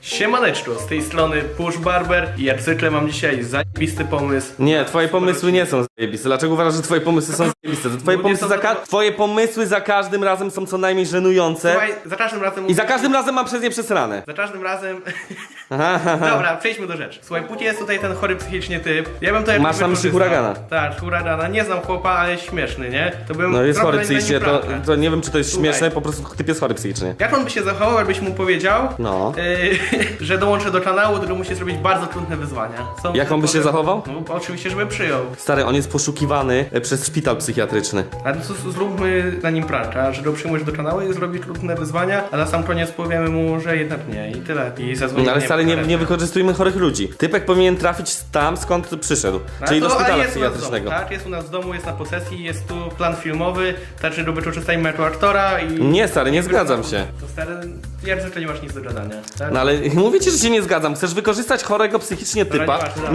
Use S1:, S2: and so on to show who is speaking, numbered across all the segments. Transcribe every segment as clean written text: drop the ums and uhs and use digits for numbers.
S1: Siemaneczko, z tej strony Push Barber i jak zwykle mam dzisiaj zajebisty pomysł.
S2: Nie, twoje pomysły nie są zajebiste. Dlaczego uważasz, że twoje pomysły są zajebiste? To twoje pomysły za każdym razem są co najmniej żenujące.
S1: Słuchaj, za każdym razem...
S2: I za każdym razem mam przez nie przesrane.
S1: Za każdym razem... Dobra, przejdźmy do rzeczy. Słuchaj, póki jest tutaj ten chory psychicznie typ, ja bym to jakoś
S2: Masz na myśli
S1: wykorzystał.
S2: huragana?
S1: Tak, huragana. Nie znam chłopa, ale jest śmieszny, nie? To bym
S2: No jest
S1: zrobił
S2: chory
S1: na nim
S2: psychicznie,
S1: pranka.
S2: to nie wiem czy to jest
S1: Słuchaj.
S2: śmieszne, po prostu typ jest chory psychicznie.
S1: Jak on by się zachował, jakbyś mu powiedział,
S2: No.
S1: że dołączy do kanału, który musi zrobić bardzo trudne wyzwania.
S2: Jak on by się zachował?
S1: No, oczywiście, żeby przyjął.
S2: Stary, on jest poszukiwany przez szpital psychiatryczny.
S1: Ale to zróbmy na nim pranka, że go przyjmujesz do kanału i zrobisz trudne wyzwania, a na sam koniec powiemy mu, że jednak nie i tyle. I zadzwonimy.
S2: No ale stary, nie wykorzystujmy chorych ludzi. Typek powinien trafić tam, skąd przyszedł. Czyli do szpitala psychiatrycznego.
S1: Tak, jest u nas w domu, jest na posesji, jest tu plan filmowy, znaczy go wykorzystajmy jako aktora i...
S2: Nie, stary, nie zgadzam się.
S1: To stary, jak zwykle nie masz nic do gadania, tak?
S2: No ale mówię ci, że się nie zgadzam. Chcesz wykorzystać chorego psychicznie typa?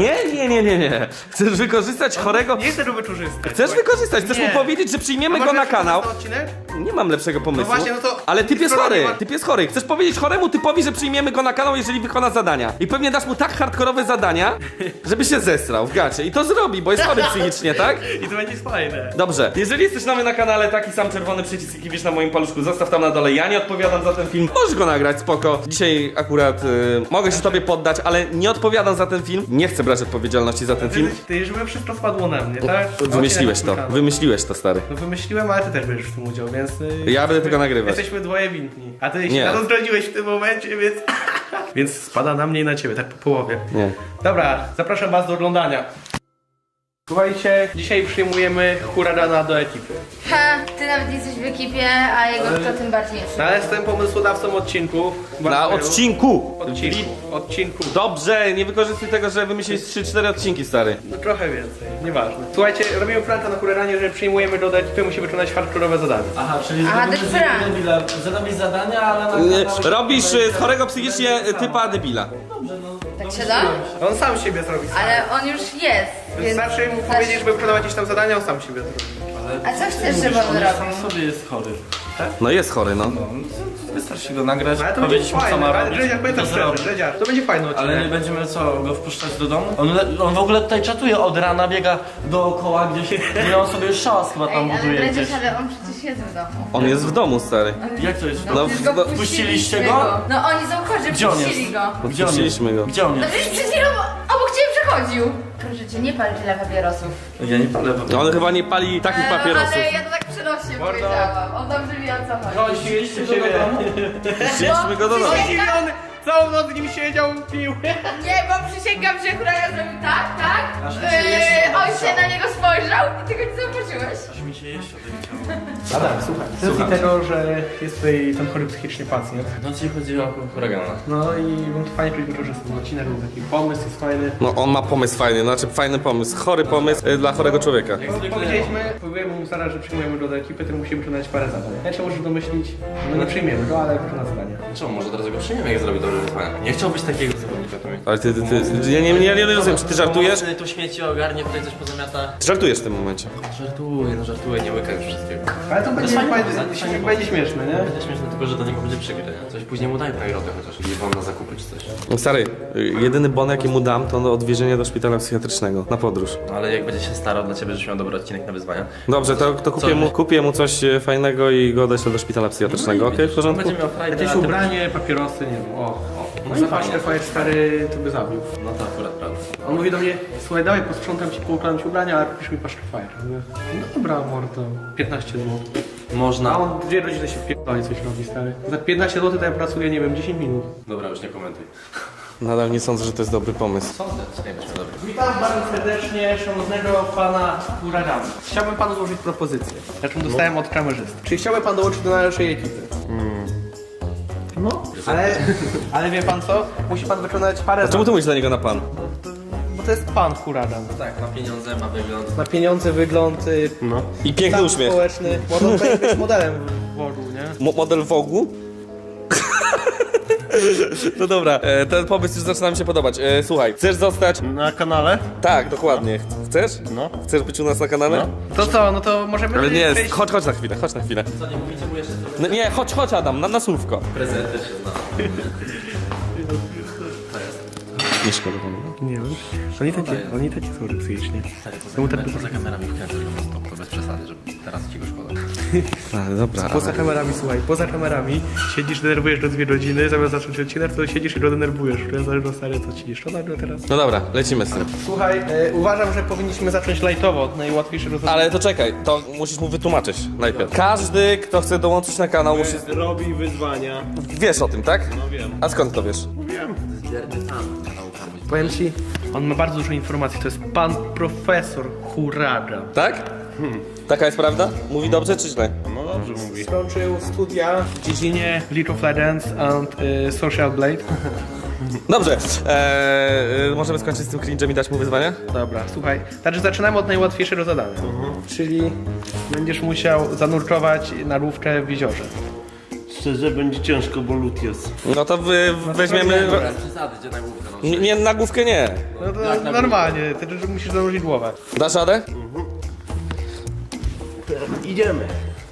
S2: Nie. Chcesz wykorzystać chorego...
S1: Nie chcę go wykorzystać.
S2: Chcesz
S1: słuchaj.
S2: wykorzystać, chcesz
S1: Nie.
S2: mu powiedzieć, że przyjmiemy
S1: A
S2: go na
S1: możesz
S2: kanał.
S1: na odcinek?
S2: Nie mam lepszego pomysłu.
S1: No właśnie, no to-
S2: Ale typ jest
S1: skoro
S2: chory,
S1: nie ma-
S2: typ jest chory. Chcesz powiedzieć choremu typowi, że przyjmiemy go na kanał, jeżeli wykona zadania. I pewnie dasz mu tak hardkorowe zadania, żeby się zesrał w gacie. I to zrobi, bo jest chory psychicznie, tak?
S1: I to będzie fajne.
S2: Dobrze. Jeżeli jesteś nowy na kanale, taki sam czerwony przycisk, jaki widzisz na moim paluszku, zostaw tam na dole. Ja nie odpowiadam za ten film. Możesz go nagrać, spoko. Dzisiaj akurat mogę się tobie poddać, ale nie odpowiadam za ten film. Nie chcę brać odpowiedzialności za ten film.
S1: Ty, żeby wszystko wpadło na mnie, tak?
S2: Wymyśliłeś
S1: Odcinek
S2: to,
S1: na kanał.
S2: wymyśliłeś to, stary.
S1: No wymyśliłem, ale ty też będziesz w tym udział, więc...
S2: Ja będę tylko nagrywać.
S1: Jesteśmy dwoje winni. A ty się
S2: Nie.
S1: na to zdradziłeś w tym momencie, więc... więc spada na mnie i na ciebie, tak po połowie.
S2: Nie.
S1: Dobra, zapraszam was do oglądania. Słuchajcie, dzisiaj przyjmujemy huragana do ekipy.
S3: Ha, ty nawet nie jesteś w ekipie, a jego to tym bardziej jest.
S1: No, ale jestem pomysłodawcą odcinku.
S2: Na odcinku!
S1: Odcinku.
S2: Dobrze, nie wykorzystuj tego, że wymyśliłeś 3-4 odcinki, stary.
S1: No trochę więcej, nieważne. Słuchajcie, robimy pranka na huraganie, że przyjmujemy do ekipy, musi wykonać hardkorowe zadanie.
S4: Aha, czyli
S3: Aha,
S4: zrobisz
S3: to jest prank.
S4: debila, zrobisz zadania, ale na
S2: Nie,
S4: kanale-
S2: robisz z chorego psychicznie typa debila.
S4: Dobrze, no.
S3: Tak się da?
S1: On sam siebie zrobi.
S3: Ale on już jest, więc...
S1: Wystarczy mu powiedzieć, żeby wykonał jakieś tam zadania, on sam siebie zrobi.
S3: A co chcesz, żeby on robił?
S4: Sam sobie jest chory.
S2: No jest chory, no.
S4: Wystarczy go nagrać,
S1: Ale to będzie
S4: powiedzieć mu co
S1: fajne,
S4: ma
S1: ale
S4: robić,
S1: Dredziarz, powiem tak
S4: to
S1: szczerze,
S4: zrobi.
S1: Dredziarz, to będzie fajny odcinek.
S4: Ale nie będziemy co, go wpuszczać do domu? On w ogóle tutaj czatuje od rana, biega dookoła gdzieś i on sobie szałas chyba tam
S3: Ej, ale
S4: buduje gdzieś.
S3: przecież, ale on przecież jest w domu.
S2: On jest w domu, stary.
S4: Jak to jest?
S2: No,
S3: Przecież go
S2: no,
S4: puściliście
S3: puściliśmy
S4: go?
S3: No oni są chorzy,
S4: Gdzie on
S3: puścili
S4: jest?
S3: go.
S4: Gdzie on jest?
S2: Puściliśmy go.
S4: Gdzie on
S3: No
S4: jest?
S3: przecież przed chwilą obok ciebie przechodził. Proszę cię, nie pal tyle papierosów.
S4: Ja nie palę.
S2: No on chyba nie pali takich
S3: No,
S2: papierosów.
S3: ale ja to tak przenośnie powiedziałam. On dobrze wie o co chodzi.
S1: No, ścieliście do domu.
S2: Wzięliśmy go do domu.
S1: Zdziwiony, całą noc z nim siedział, pił.
S3: Nie, bo przysięgam, że huragan zrobił tak, tak?
S4: Aż mi się jeszcze
S3: On
S4: podobało.
S3: się na niego spojrzał i ty go nie zauważyłeś.
S4: Aż mi się jeszcze odechciało.
S1: Adam, słuchaj. Z racji tego, że jest tutaj ten chory psychicznie pacjent.
S4: No ci chodzi o huragana.
S1: No i bym to fajnie wykorzystał. Odcinek był taki pomysł, jest fajny.
S2: No on ma pomysł fajny, znaczy fajny pomysł. Chory pomysł dla chorego człowieka.
S1: Powiedzieliśmy mu zaraz, że przyjmujemy go do ekipy, który musi wykonać parę zadań. Ja możesz domyślić, że nie przyjmiemy go, ale wykona zadania.
S4: Czemu? Może teraz go przyjmiemy, jak zrobi dobre wyzwania. Nie chciałbyś takiego zawodnika to mieć.
S2: Ale ja nie rozumiem, czy ty żartujesz?
S4: Tu śmieci ogarnie, tutaj coś pozamiata.
S2: Ty żartujesz w tym momencie.
S4: Żartuję, nie łykaj wszystkiego.
S1: Ale to będzie,
S4: fajnie,
S1: będzie śmieszne, nie?
S4: Będzie śmieszne tylko, że do niego będzie przykre, nie? Coś później mu daj nagrodę chociaż. I wam na zakupy czy coś.
S2: Stary, jedyny bon jaki mu dam, to odwiezienie do szpitala psychiatrycznego na podróż.
S4: No, ale jak będzie się starał dla ciebie, żebyś miał dobry odcinek na wyzwania.
S2: Dobrze, to kupię mu coś fajnego i go odeślę do szpitala psychiatrycznego, okej? W porządku?
S4: Będzie miał frajdę.
S1: Jakieś
S4: a ty-
S1: ubranie, papierosy, nie wiem, o.
S4: No i
S1: Zapach
S4: fajnie.
S1: Fire stary, to by zabił.
S4: No to akurat prawda.
S1: On mówi do mnie, słuchaj, dawaj posprzątam ci, poukładam ci ubrania, ale kupisz mi paszkę Fire. Mówię, no dobra, mordo, 15 zł. A
S4: Można.
S1: on 2 godziny się wpierdoli, coś robi, stary. Za 15 zł to ja pracuję, nie wiem, 10 minut.
S4: Dobra, już nie komentuj.
S2: Nadal nie sądzę, że to jest dobry pomysł.
S4: Sądzę, nie będziemy dobry.
S1: Witam bardzo serdecznie szanownego pana huragana. Chciałbym panu złożyć propozycję, jaką dostałem od kamerzysty. Czy chciałby pan dołączyć do naszej ekipy? No, ale wie pan co? Musi pan wykonać parę
S2: Czemu
S1: zadań.
S2: ty mówisz dla niego na pan?
S1: Bo to jest pan huragan.
S4: Tak, ma pieniądze, ma wygląd.
S1: Ma pieniądze, wygląd,
S2: No. I piękny
S1: stan
S2: uśmiech.
S1: społeczny. Może on powinien być modelem w Wogu, nie?
S2: Model Wogu? No dobra, ten pomysł już zaczyna mi się podobać. Słuchaj, chcesz zostać...
S5: Na kanale?
S2: Tak, dokładnie. Chcesz?
S5: No.
S2: Chcesz być u nas na kanale?
S5: No.
S1: To co, no to możemy...
S2: Ale nie,
S1: przejść-
S2: chodź na chwilę, chodź na chwilę.
S4: Co, nie mówicie mu jeszcze co?
S2: No, nie, chodź Adam, na słówko.
S4: Prezent też się zna.
S2: Nie szkoda panu.
S1: Nie wiem. Oni takie są psychicznie. Czemu tak
S4: Poza kamerami wkręcasz go na stop, to bez przesady, żeby teraz ci go szkoda.
S2: Ale dobra.
S1: Poza kamerami, słuchaj, poza kamerami siedzisz, denerwujesz do 2 godziny, zamiast zacząć odcinek, to siedzisz i go denerwujesz. Ja zależy stary, co ci szkoda go teraz.
S2: No dobra, lecimy z tym.
S1: Słuchaj, uważam, że powinniśmy zacząć lajtowo, od najłatwiejszego rozwiązania.
S2: Ale to czekaj, to musisz mu wytłumaczyć najpierw. Każdy, kto chce dołączyć na kanał, musi...
S5: Robi wyzwania.
S2: Wiesz o tym, tak?
S5: No wiem.
S2: A skąd to wiesz?
S1: Powiem ci, on ma bardzo dużo informacji, to jest pan profesor Huraga.
S2: Tak? Taka jest prawda? Mówi dobrze czy źle?
S5: No dobrze mówi.
S1: Skończył studia w dziedzinie League of Legends and Social Blade.
S2: Dobrze, możemy skończyć z tym cringe'em i dać mu wyzwanie?
S1: Dobra, słuchaj, także zaczynamy od najłatwiejszego zadania. Czyli będziesz musiał zanurkować na rówkę w jeziorze.
S5: Szczerze będzie ciężko, bo lód jest.
S2: No to weźmiemy...
S4: Przesady, gdzie na główkę
S2: Nie, na główkę nie.
S1: No to normalnie, ty musisz zanurzyć głowę.
S2: Dasz radę?
S5: Idziemy.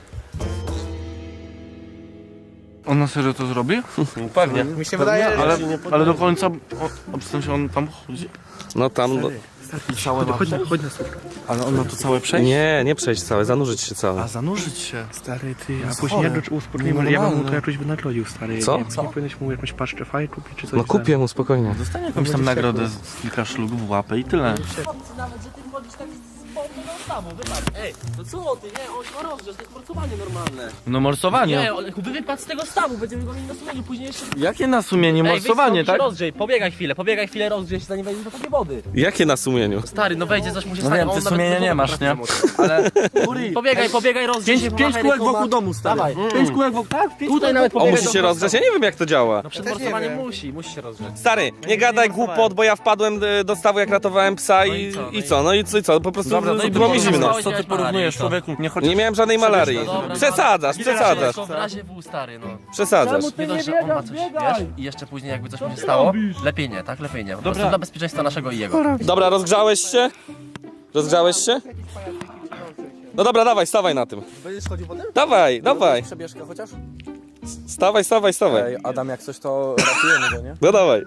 S4: On na serio to zrobi?
S5: Pewnie.
S1: Mi się wydaje,
S4: Ale do końca, w sensie on tam chodzi.
S2: No tam... No.
S1: chodź na słówkę.
S4: Ale on ma to całe przejść?
S2: Nie przejść całe, zanurzyć się całe.
S4: A zanurzyć się.
S1: Stary, ty, a później jak do uspórniemy, ja bym mu to jakoś wynagrodził, stary.
S2: Co?
S1: Nie powinieneś mu jakąś paszczę faj kupić czy coś?
S2: No kupię mu spokojnie.
S4: Dostanie jakąś tam nagrodę z kilka szlugów w łapę i tyle.
S6: Nawet, że ty chodzisz tak z bombą na samo, wybacz. Ej, no co ty, nie, on ma rozgrzesz, to jest morsowanie normalne.
S4: No morsowanie.
S6: Nie, wypadł z tego stawu, będziemy go mieli na sumieniu, później jeszcze...
S4: Jakie na sumienie? Morsowanie, tak?
S6: Rozgrzej, pobiegaj chwilę, rozgrzej się, zanim wejdziesz do takiej wody.
S2: Jakie na sumieniu?
S6: Stary, no wejdzie, coś mu się
S4: No
S6: stanie,
S4: wiem,
S6: on
S4: ty
S6: nawet
S4: sumienia
S6: do
S4: nie
S6: wody
S4: masz, nie?
S6: trafi.
S4: Ale...
S6: Pobiegaj, rozgrzej się,
S4: Pięć kółek wokół domu, stary.
S6: Dawaj.
S4: 5 kółek wokół, tak?
S6: Tutaj nawet
S2: On
S6: pobiegaj
S2: musi się rozgrzać? Ja nie wiem jak to działa.
S6: No przed
S1: też nie
S6: morsowaniem
S1: wiem.
S6: musi się rozgrzeć.
S2: Stary, nie gadaj głupot, bo ja wpadłem do stawu jak ratowałem psa
S6: i co?
S2: i co? Po prostu
S4: Dobra, no i
S2: było mi
S6: powiedz,
S2: zimno.
S6: co
S4: Co ty porównujesz, człowieku? Nie chodzi...
S2: Nie miałem żadnej malarii.
S6: Dobra,
S2: Przesadzasz.
S6: Tylko w razie W, stary, no.
S2: Przesadzasz.
S6: Nie dość, że on ma coś, wiesz, i jeszcze później jakby coś mu się stało, lepiej nie, tak? Lepiej nie. Po prostu dla bezpieczeństwa naszego i jego.
S2: Dobra, rozgrzałeś się? Rozgrzałeś się? No dobra, dawaj, stawaj na tym.
S7: Będziesz chodził potem?
S2: Dawaj.
S7: Przebieżkę chociaż?
S2: Stawaj.
S7: Ej, Adam, jak coś to ratujemy go, nie?
S2: No dawaj.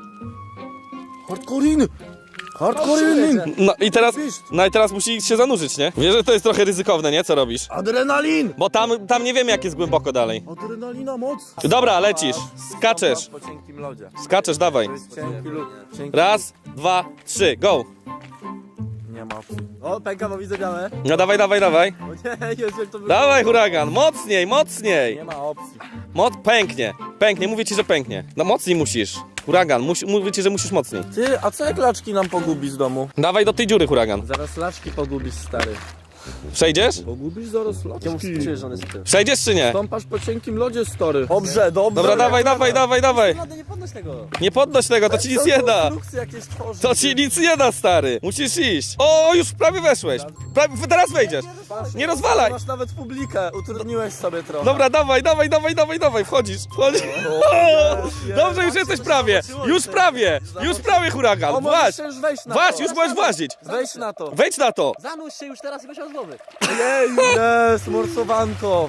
S7: Hardcore'in! Hardcore'in!
S2: No i teraz musi się zanurzyć, nie? Wiesz, że to jest trochę ryzykowne, nie? Co robisz?
S7: Adrenalin!
S2: Bo tam nie wiemy jak jest głęboko dalej.
S7: Adrenalina moc!
S2: Dobra, lecisz. Skaczesz.
S7: Po cienkim lodzie.
S2: Skaczesz, dawaj.
S7: To jest cienki lód. Cienki...
S2: Raz, 2, 3, go.
S7: Nie ma opcji. O, pęka, bo widzę białe.
S2: No dawaj.
S7: O nie, Jezu, jak to wygląda.
S2: Dawaj, huragan, mocniej.
S7: Nie ma opcji.
S2: Pęknie, mówię ci, że pęknie. No mocniej musisz. Huragan, mówię ci, że musisz mocniej.
S7: Ty, a co jak laczki nam pogubi z domu?
S2: Dawaj do tej dziury, huragan.
S7: Zaraz laczki pogubisz, stary.
S2: Przejdziesz?
S7: Pogubisz zaraz laczki. Czemu czujesz, że on jest tym?
S2: Przejdziesz czy nie?
S7: Stąpasz po cienkim lodzie, stary. Dobrze.
S2: Dobra, dawaj.
S7: Ładnie, nie podnoś tego.
S2: Nie podnoś tego, to ci nic nie da.
S7: Konstrukcje jakieś tworzy.
S2: To ci nic nie da, stary. Musisz iść. O, już prawie weszłeś. Teraz wejdziesz. Nie rozwalaj.
S7: Masz nawet publikę, utrudniłeś sobie trochę.
S2: Dobra, dawaj, wchodzisz. Dobrze, już jesteś prawie. Już prawie, huragan.
S7: O,
S2: Właź.
S7: możesz już wejść na to.
S2: Już możesz włazić.
S7: Wejdź na to.
S2: Wejdź na to.
S6: Zanurz się już teraz i weź od głowy.
S7: Jej, jest, morsowanko.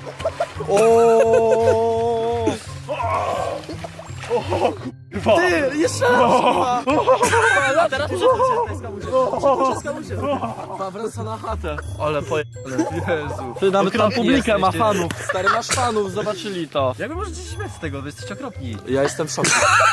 S7: O. Ty, jeszcze raz.
S6: A teraz muszę
S7: Wraca na chatę.
S4: Ale Jezu.
S7: Ty, nawet tam publikę
S6: jesteś,
S7: ma
S6: ty.
S7: fanów. Stary, masz fanów, zobaczyli to.
S6: Jak wy możecie się śmiać z tego? Wy jesteście okropni.
S7: Ja jestem w szoku.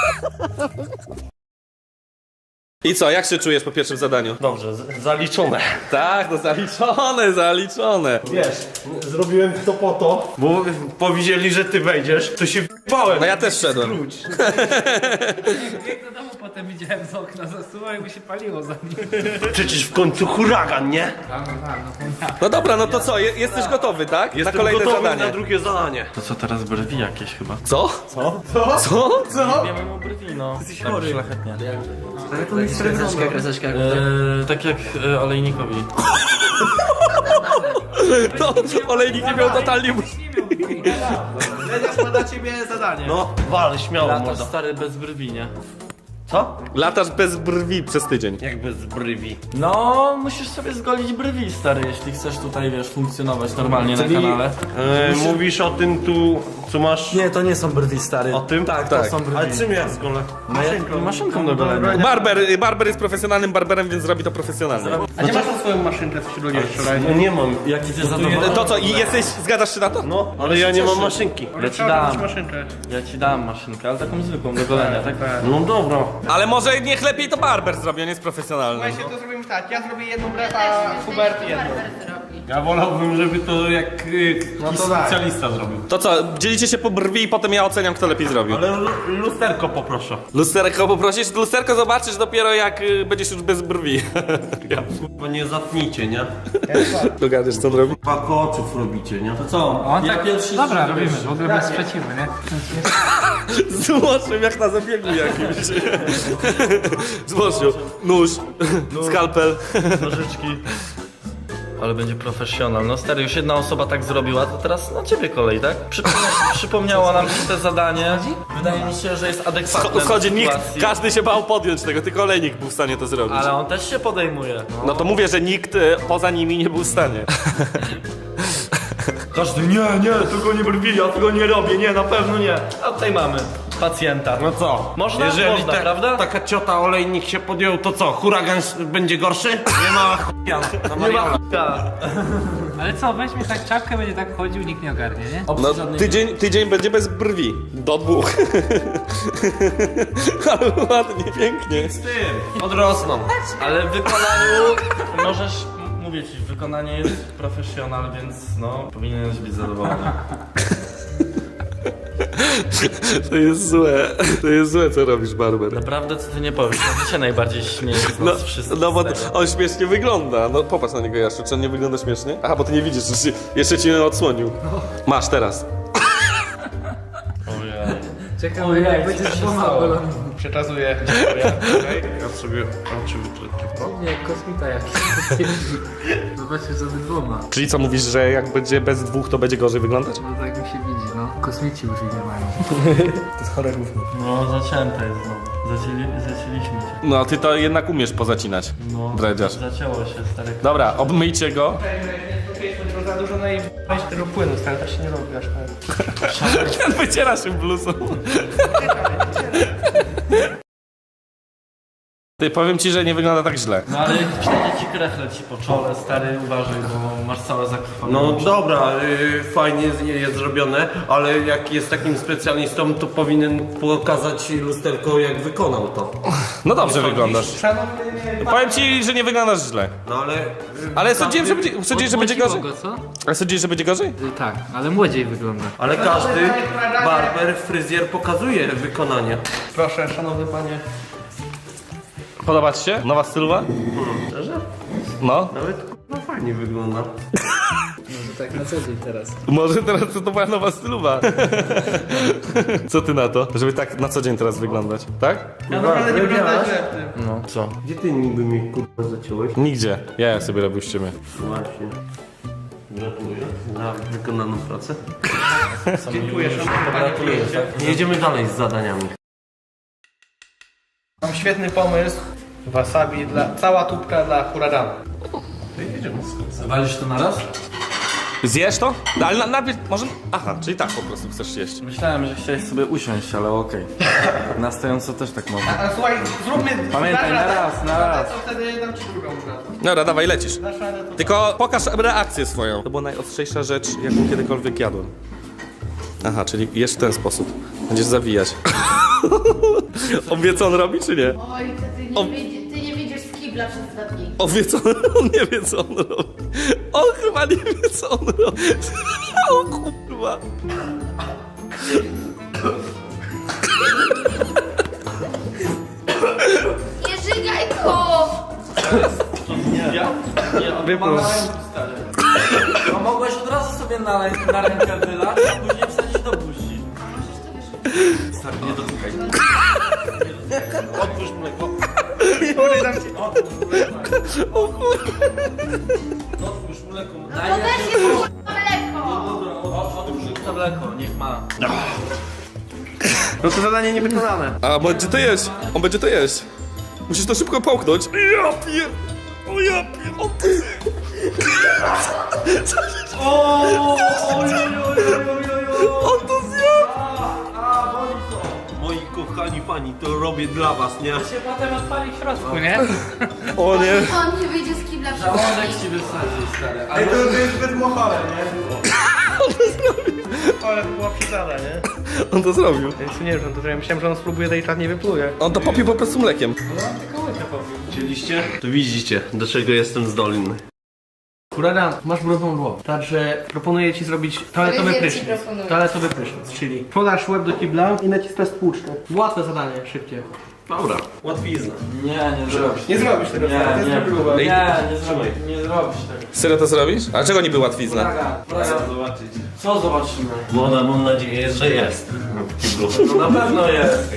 S2: I co, jak się czujesz po pierwszym zadaniu?
S5: Dobrze, zaliczone.
S2: Tak, no zaliczone.
S5: Wiesz, zrobiłem to po to, bo powiedzieli, że ty wejdziesz, to się w***ałem.
S2: No ja też szedłem.
S8: Jak do domu potem widziałem z okna, zasuwa i by się paliło za nim.
S5: Przecież w końcu huragan, nie?
S2: No dobra, no to co, jesteś gotowy, tak?
S5: Jestem
S2: na kolejne
S5: gotowy
S2: zadanie.
S5: na drugie zadanie.
S4: To co teraz, brwi jakieś chyba?
S2: Co? Co?
S4: Wiemy mu brwi, no. Jesteś
S5: chory.
S4: Tak szlachetnie.
S6: Kreseczka.
S4: Tak jak olejnikowi.
S2: To olejnik nie miał totalnie...
S1: Leniarz ma dla ciebie zadanie.
S5: No, wal, śmiało
S4: Latasz
S5: mordo.
S4: stary bez brwi, nie?
S5: Co?
S2: Latasz bez brwi przez tydzień.
S5: Jak bez brwi.
S4: No, musisz sobie zgolić brwi, stary, jeśli chcesz tutaj, wiesz, funkcjonować normalnie na kanale.
S5: Mówisz o tym tu, Co masz?
S7: Nie, to nie są brwi, stary.
S5: O tym?
S7: Tak,
S2: Tak.
S7: to są brwi.
S5: Ale czym ja zgolę?
S7: Maszynką do golenia.
S2: Barber jest profesjonalnym barberem, więc zrobi to profesjonalnie.
S1: A nie masz tą swoją maszynkę, co się ludzie wczoraj?
S5: No nie mam.
S7: Jaki ty zadowolony?
S2: To co, i zgadzasz się na to?
S5: No, ale ja nie mam maszynki.
S7: Ja ci dam.
S1: maszynkę.
S7: Ja ci dam maszynkę, ale taką zwykłą do golenia, tak?
S5: No dobra.
S2: Ale może niech lepiej to barber zrobi, on jest profesjonalny.
S1: Słuchajcie, to zrobimy tak, ja zrobię jedną brew, a Hubert jedną.
S5: Ja wolałbym, żeby to jak
S1: to daj.
S5: specjalista zrobił.
S2: To co, dzielicie się po brwi i potem ja oceniam, kto lepiej zrobił.
S5: Ale lusterko poproszę.
S2: Lusterko poprosisz? Lusterko zobaczysz dopiero jak będziesz już bez brwi.
S5: Bo nie zatnijcie, nie?
S2: Dogadujesz, co on robi?
S5: Pako oczów robicie, nie? To co?
S8: On
S7: Ja
S8: tak,
S7: pierwszy
S8: dobra,
S7: zrobię.
S8: robimy, w ogóle bez sprzeciwu, nie?
S2: Złożył jak na zabiegu jakimś. Złożył. Nóż, skalpel.
S5: Nożyczki.
S7: Ale będzie profesjonal. No stary, już jedna osoba tak zrobiła, to teraz na ciebie kolej, tak? Przypomniało nam się to zadanie. Wydaje mi się, że jest adekwatne
S2: Schodzi
S7: do
S2: nikt,
S7: sytuacji.
S2: każdy się bał podjąć tego, tylko olejnik był w stanie to zrobić.
S7: Ale on też się podejmuje.
S2: No to mówię, że nikt poza nimi nie był w stanie.
S7: Każdy, nie, tego nie brwi, ja tego nie robię, nie, na pewno nie. A tutaj mamy pacjenta.
S5: No co?
S7: Można? Można, prawda?
S5: taka ciota olejnik się podjął, to co? Huragan będzie gorszy? Nie ma chuja na
S7: Nie ma
S5: Mariola.
S7: chuja.
S8: Ale co, weźmie tak czapkę, będzie tak chodził, nikt nie ogarnie, nie?
S2: No tydzień będzie bez brwi. Do 2. Ale ładnie, pięknie.
S5: Odrosną.
S7: Ale w wykonaniu możesz, mówię ci, wykonanie jest profesjonal, więc no, powinieneś być zadowolony.
S2: To jest złe. To jest złe, co robisz, barber.
S7: Naprawdę, co ty nie powiesz, to ty się najbardziej śmieje z
S2: No,
S7: nas wszystkich.
S2: no bo
S7: stary.
S2: on śmiesznie wygląda. No popatrz na niego, Jaszczu, czy on nie wygląda śmiesznie? Aha, bo ty nie widzisz, jeszcze ci nie odsłonił. Masz teraz.
S7: Ojej.
S8: Czekam, jak będzie dwoma bolony.
S1: Przekazuję.
S5: Ja sobie oczy wytrypię.
S8: Nie, jak kosmita jakiś. Zobaczcie, że dwoma.
S2: Czyli co, mówisz, że jak będzie bez 2, to będzie gorzej wyglądać?
S8: No tak mi się widzi, no. Kosmici już ich nie mają.
S7: No, zacięte jest znowu. Zacięliśmy cię.
S2: No, ty to jednak umiesz pozacinać.
S7: No,
S2: Dredziarz.
S7: zacięło się, stary.
S2: Dobra, obmyjcie go.
S1: Za dużo na jej weź tego płynu, stary, tak się nie robi aż tak.
S2: Wyciera się bluzą. Ty, powiem ci, że nie wygląda tak źle.
S7: No ale jak przejdzie ci krechle ci po czole, stary, uważaj, bo masz całe zakrwawione.
S5: No dobra, fajnie jest zrobione, ale jak jest takim specjalistą, to powinien pokazać lusterko, jak wykonał to.
S2: No dobrze wyglądasz.
S1: Szanowny
S2: Powiem ci, że nie wyglądasz źle.
S5: No ale...
S2: Ale sądziłem, że będzie, sądziłeś, że będzie
S8: Odmłociło
S2: gorzej?
S8: go, co?
S2: A sądziłeś, że będzie gorzej?
S8: Tak, ale młodziej wygląda.
S5: Ale każdy barber, fryzjer pokazuje wykonanie.
S1: Proszę, szanowny panie.
S2: Podoba ci się? Nowa stylowa?
S5: Szczerze?
S2: No.
S5: Nawet no fajnie wygląda.
S8: Tak na co dzień teraz.
S2: Może teraz to była nowa stylowa. Co ty na to? Żeby tak na co dzień teraz wyglądać, tak?
S1: Ja naprawdę nie wygląda źle w tym.
S7: No, co?
S5: Gdzie ty niby mnie kurwa zaciąłeś?
S2: Nigdzie. Ja sobie robił ściemy.
S5: Właśnie. Gratuluję za wykonaną pracę.
S1: Dziękuję, szanowny panie.
S5: Jedziemy dalej z zadaniami.
S1: Mam świetny pomysł. Wasabi cała tubka dla huraganu.
S7: Walisz to na raz?
S2: Zjesz to? No, ale najpierw może... Aha, czyli tak po prostu chcesz jeść.
S7: Myślałem, że chciałeś sobie usiąść, ale okej. Na stojąco też tak można.
S1: A słuchaj, zróbmy...
S7: Pamiętaj, na raz, na raz.
S1: To wtedy dam ci drugą bratę.
S2: Dobra, dawaj, lecisz.
S1: Dasz radę to...
S2: Tylko pokaż reakcję swoją. To była najostrzejsza rzecz, jaką kiedykolwiek jadłem. Aha, czyli jesz w ten sposób. Będziesz zawijać. On wie, co on robi, czy nie?
S3: Oj, to ty nie wyjdziesz z kibla przez 2 dni.
S2: On wie, co on nie wie, co on robi. On chyba nie wie, co on robi. O kurwa.
S3: Nie żygaj go!
S7: A mogłeś od razu sobie na rękę wylać, a później wsadzić do buzi. Stary, nie dotykaj.
S5: Otwórz mleko.
S7: Otwórz mleko.
S3: To też jest mleko!
S7: Otwórz to mleko, niech ma.
S1: No to zadanie niewykonane.
S2: A będzie to jeść. On będzie to jeść. Musisz to szybko połknąć. Ja pier... O ja pier... O ty... On to zjadł!
S5: pani, to robię dla was, nie?
S8: się potem odpali w środku, nie?
S2: O nie.
S3: On ci wyjdzie z kibla przy
S4: Żołądek ci wysadzi, stary.
S1: Ej, to jest zbyt mochowe, nie? Ale to była przesada, nie?
S2: On to zrobił.
S1: Ja nic nie wiem, to ja myślałem, że on spróbuje, to i czad nie wypluje.
S2: On to popił po prostu mlekiem.
S5: Widzieliście? To widzicie, do czego jestem zdolny.
S1: Huragan, masz brudną głowę. Także proponuję ci zrobić toaletowy
S3: Fryzjer ci
S1: prysznic.
S3: proponuje.
S1: Toaletowy prysznic, czyli podasz łeb do kibla i naciskasz spłuczkę. Łatwe zadanie, szybkie.
S5: Dobra, łatwizna.
S7: Nie zrobisz.
S1: Nie zrobisz tego,
S7: Nie,
S1: to jest
S7: nie.
S1: próba.
S7: Nie zrobisz tego.
S2: Serio to zrobisz? A czego niby łatwizna?
S7: Zobaczyć. Co zobaczymy?
S5: Woda, mam nadzieję, że jest.
S7: No na pewno jest.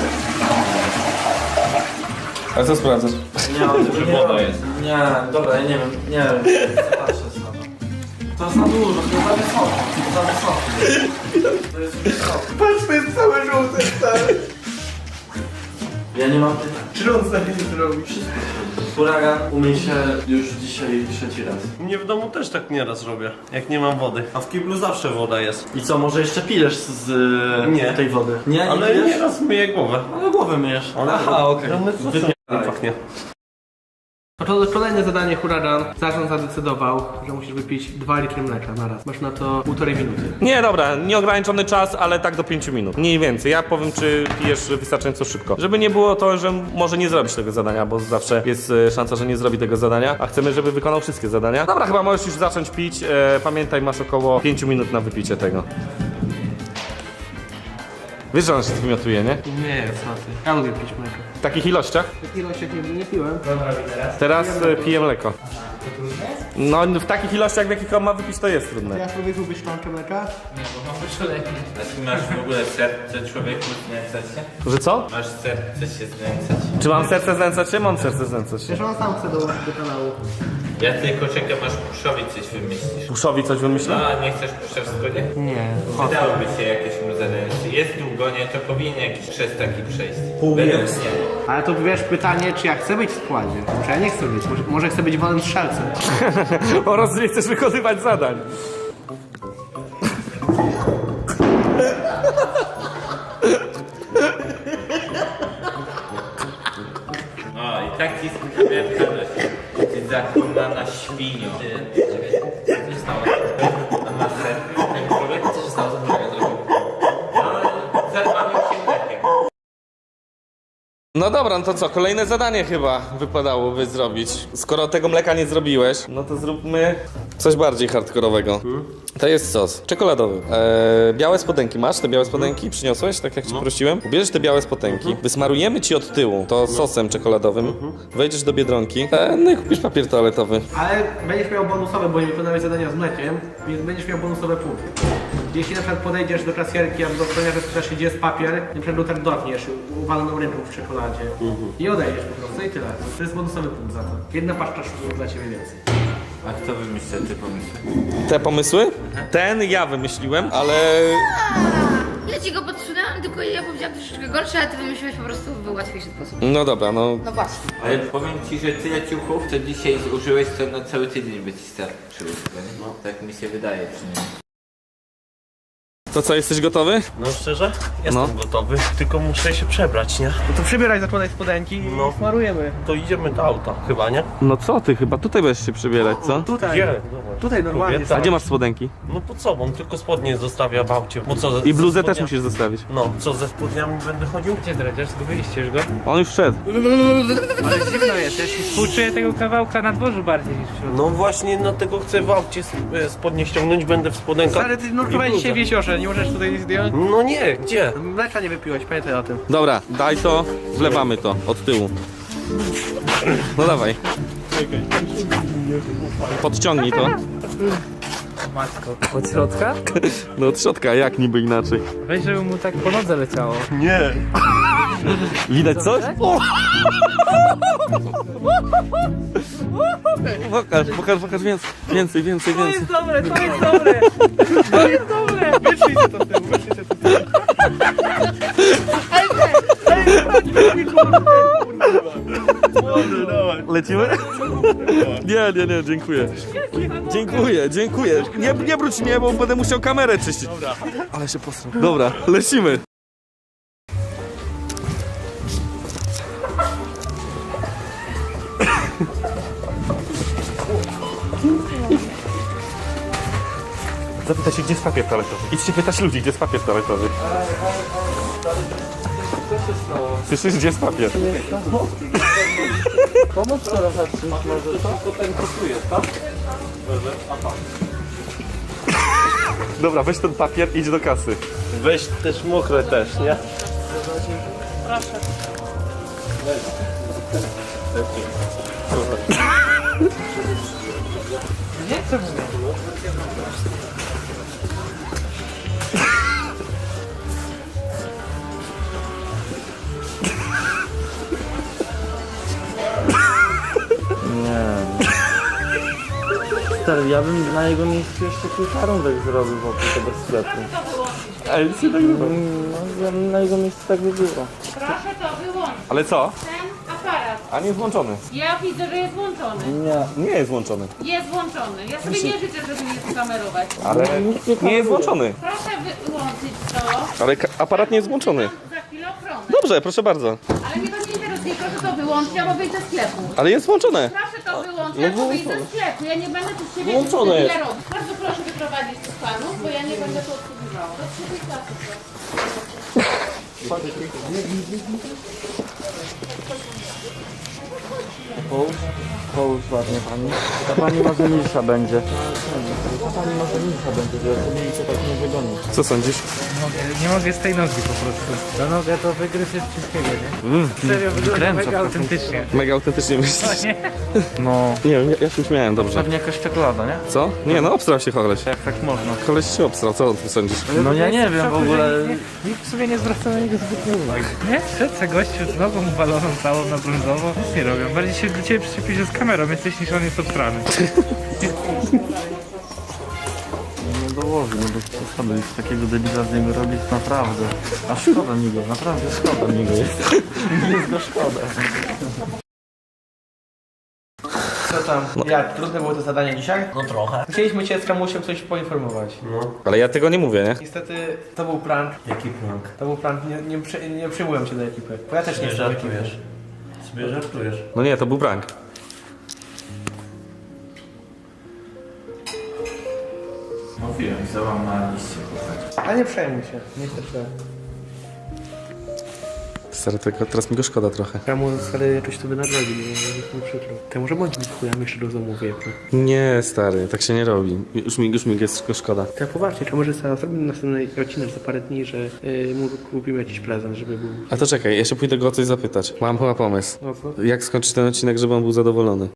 S2: A co sprawdzasz?
S7: Nie, on tego nie robi. Nie, dobra, ja nie wiem. Patrzę sobie. To jest za dużo, to jest za wysoko. To za wysoko. To jest wysoko.
S1: Patrz, to jest cały żółty, stary.
S7: Ja nie mam pytań.
S1: Czy on sobie nie zrobi?
S7: Huragan umyj się już dzisiaj 3. raz.
S5: Mnie w domu też tak nieraz robię, jak nie mam wody. A w kiblu zawsze woda jest.
S7: I co, może jeszcze pijesz z
S5: Nie.
S7: tej wody? Nie,
S5: Ale
S7: pijesz?
S5: nieraz myję głowę.
S7: Ale głowę myjesz.
S5: Aha, okej. Pachnie.
S1: To kolejne zadanie, Huragan. Zarząd zadecydował, że musisz wypić 2 litry mleka na raz. Masz na to 1,5 minuty.
S2: Nie, dobra, nieograniczony czas, ale tak do 5 minut. Mniej więcej. Ja powiem, czy pijesz wystarczająco szybko. Żeby nie było to, że może nie zrobisz tego zadania, bo zawsze jest szansa, że nie zrobi tego zadania, a chcemy, żeby wykonał wszystkie zadania. Dobra, chyba możesz już zacząć pić. Pamiętaj, masz około 5 minut na wypicie tego. Wiesz, że on się wymiotuje, nie?
S1: Nie, co ty. Ja lubię pić mleko.
S2: W takich ilościach?
S1: W takich ilościach nie piłem.
S2: Teraz piję mleko. No, w takich ilościach, w jakich on ma wypić, to jest trudne.
S1: Ja spróbuję lubić szklankę mleka.
S9: A ty masz w ogóle serce człowieku znęcać się?
S2: Że co?
S9: Masz serce się znęcać?
S2: Czy mam serce znęcać się? Mam serce znęcać się.
S1: Wiesz, on sam chce dołączyć do kanału.
S9: Ja tylko czekam aż Puszowi coś wymyślisz.
S2: Puszowi coś wymyślił?
S9: No, a nie chcesz Puszewsko, nie?
S1: Nie.
S9: Wydałoby się jakieś mu zadanie. Jest długo, nie? To powinien jakiś przez taki przejść. Według mnie.
S1: Ale to wiesz, pytanie, czy ja chcę być w składzie? Czy ja nie chcę być? Może chcę być wolnym strzelcem.
S2: Oraz nie chcesz wykonywać zadań.
S9: O, i tak ci skupiłem kamerę. Ty zakonana świnio. Ty, czekaj, co się stało? A masz serce? Ten człowiek? Co się stało? Co człowiek zrobił? No, zerwanił się mlekiem.
S2: No dobra, no to co? Kolejne zadanie chyba wypadałoby zrobić. Skoro tego mleka nie zrobiłeś, no to zróbmy coś bardziej hardkorowego. To jest sos czekoladowy. Białe spodenki masz? Te białe spodenki przyniosłeś, tak jak ci prosiłem? Ubierzesz te białe spodenki, wysmarujemy ci od tyłu to sosem czekoladowym, wejdziesz do Biedronki, no i kupisz papier toaletowy.
S1: Ale będziesz miał bonusowe, bo nie wykonałeś zadania z mlekiem, więc będziesz miał bonusowe punkty. Jeśli na przykład podejdziesz do kasjerki albo do ochroniarza, spytasz się, gdzie jest papier, na przykład tak dotkniesz uwaloną ręką w czekoladzie i odejdziesz po prostu i tyle. To jest bonusowy punkt za to. Jedna paszcza sztuczek dla ciebie więcej.
S9: A kto wymyślił te pomysły?
S2: Te pomysły? Ten ja wymyśliłem, ale...
S3: Ja ci go podsunęłam, tylko ja powiedziałam troszeczkę gorsze, a ty wymyśliłeś po prostu w łatwiejszy sposób.
S2: No dobra, no...
S3: No właśnie.
S9: Ale powiem ci, że tyle ciuchów, co dzisiaj użyłeś, to na cały tydzień by ci starczyło. No, tak mi się wydaje przynajmniej.
S2: To co, jesteś gotowy?
S5: No szczerze? Jestem gotowy, tylko muszę się przebrać, nie?
S1: No to przybieraj, zakładaj spodenki i smarujemy.
S5: To idziemy do auta, chyba, nie?
S2: No co ty, chyba tutaj będziesz się przebierać, co?
S1: Tutaj.
S5: Gdzie? Zobacz.
S1: Tutaj normalnie.
S5: Kobieta.
S2: A gdzie masz spodenki?
S5: No pod sobą, tylko spodnie zostawia w aucie. Bo co,
S2: I
S5: ze
S2: bluzę też
S5: spodniami-
S2: musisz zostawić.
S5: No, co ze spodniami będę chodził?
S8: Gdzie dredziarz? Zgubiliście już go?
S2: On już wszedł.
S8: Ale zimno jest, ja się współczuję tego kawałka na dworzu bardziej niż w środku.
S5: No właśnie, dlatego chcę w aucie spodnie ściągnąć, będę w spodenkach.
S1: Stary, ty nurkowałeś
S5: i
S1: dzisiaj w
S5: bluzę.
S1: jeziorze, nie możesz tutaj zdjąć?
S5: No nie, gdzie?
S1: Mleka nie wypiłeś, pamiętaj o tym.
S2: Dobra, daj to, wlewamy to od tyłu. No dawaj. Podciągnij to.
S8: Matko. Od środka?
S2: No od środka, jak niby inaczej.
S8: Weź, żeby mu tak po nodze leciało.
S5: Nie.
S2: Widać coś? O! Pokaż więcej.
S8: To jest dobre, to jest dobre! To jest dobre!
S1: Wyszli się to z tyłu, wyszli się to z tyłu.
S2: Lecimy? Nie, dziękuję. Nie brudź mnie, bo będę musiał kamerę czyścić. Dobra. Ale się posrał. Dobra, lecimy. Zapytaj się, gdzie jest papier toaletowy. Idźcie pytać ludzi, gdzie jest papier toaletowy. Słyszysz, gdzie jest papier?
S4: Pomóc teraz na czymś może to?
S2: Dobra, weź ten papier i idź do kasy.
S5: Weź też mokre też, nie?
S4: Stary, ja bym na jego miejscu jeszcze kilka rundek zrobił wokół tego sklepu.
S2: Ej, nic nie nagrywam.
S4: No, ja bym na jego miejscu tak by było.
S10: Proszę to wyłączyć.
S2: Ale co?
S10: Ten aparat.
S2: A nie jest włączony.
S10: Ja widzę, że jest włączony.
S2: Nie jest włączony.
S10: Jest włączony. Ja sobie nie życzę, żeby mnie skamerować.
S2: Ale nie jest włączony.
S10: Proszę wyłączyć to.
S2: Ale aparat nie jest włączony.
S10: Za chwilę ochronę.
S2: Dobrze, proszę bardzo.
S10: Ale mnie to nie interesuje. Proszę to wyłączyć albo wyjść ze sklepu.
S2: Ale jest włączone.
S10: Proszę to wyłączyć albo wyjść ze sklepu. Ja nie będę tu z siebie
S5: Włączone jest.
S10: tyle robić. Bardzo proszę wyprowadzić tych panów, bo ja nie będę tu obsługiwała. Do trzeciej klasy proszę.
S4: Połóż ładnie pani. Ta pani może milsza będzie. Ta pani może milsza będzie, że to tak nie wygoni.
S2: Co sądzisz?
S8: Nie mogę z tej nogi po prostu. Ta noga to wygryz jest wszystkiego, nie? Serio, wygląda mega autentycznie.
S2: Mega autentycznie myślisz?
S8: Nie?
S4: No,
S2: Nie wiem, ja się uśmiałem dobrze.
S4: pewnie jakaś czekolada, nie?
S2: Co? Nie, no obstrał się koleś.
S4: Jak tak można?
S2: Koleś się obstrał, co ty sądzisz?
S4: No ja nie wiem w ogóle.
S8: Nikt w sumie nie zwraca na niego zbytnio uwagi. Nie? Szedł se gościu z nogą ubaloną całą na brązowo. Nic nie robią. Bardziej się do ciebie przyczepi się z kamerą, jesteś niż on jest obstrany.
S4: Nie dołoży, no bez przesady. Już takiego debila z niego robić naprawdę. A szkoda mi go, naprawdę szkoda mi go jest. Jest go szkoda.
S1: Co tam? Jak? Trudne było to zadanie dzisiaj?
S6: No trochę.
S1: Chcieliśmy cię z Kamusiem coś poinformować.
S2: Ale ja tego nie mówię, nie?
S1: Niestety to był prank.
S5: Jaki prank?
S1: To był prank, nie przyjmułem cię do ekipy. Bo ja też nie jestem w ekipie.
S5: Sobie żartujesz.
S2: No nie, to był prank.
S9: Mówiłem, zdołam na liście poznać.
S1: A nie przejmuj się, niestety.
S2: Stary, tego, teraz mi go szkoda trochę.
S1: Kamu stary jakoś to wynagrodzi, nie jest mi przykro. To może bądź mi chujami jeszcze raz zamówię.
S2: Nie, stary, tak się nie robi. Już mi jest tylko szkoda.
S1: Tak poważnie, kamerzysta zrobimy następny odcinek za parę dni, że mu kupimy jakiś prezent, żeby był...
S2: A to czekaj, ja się pójdę go o coś zapytać. Mam chyba pomysł.
S1: No co?
S2: Jak skończyć ten odcinek, żeby on był zadowolony?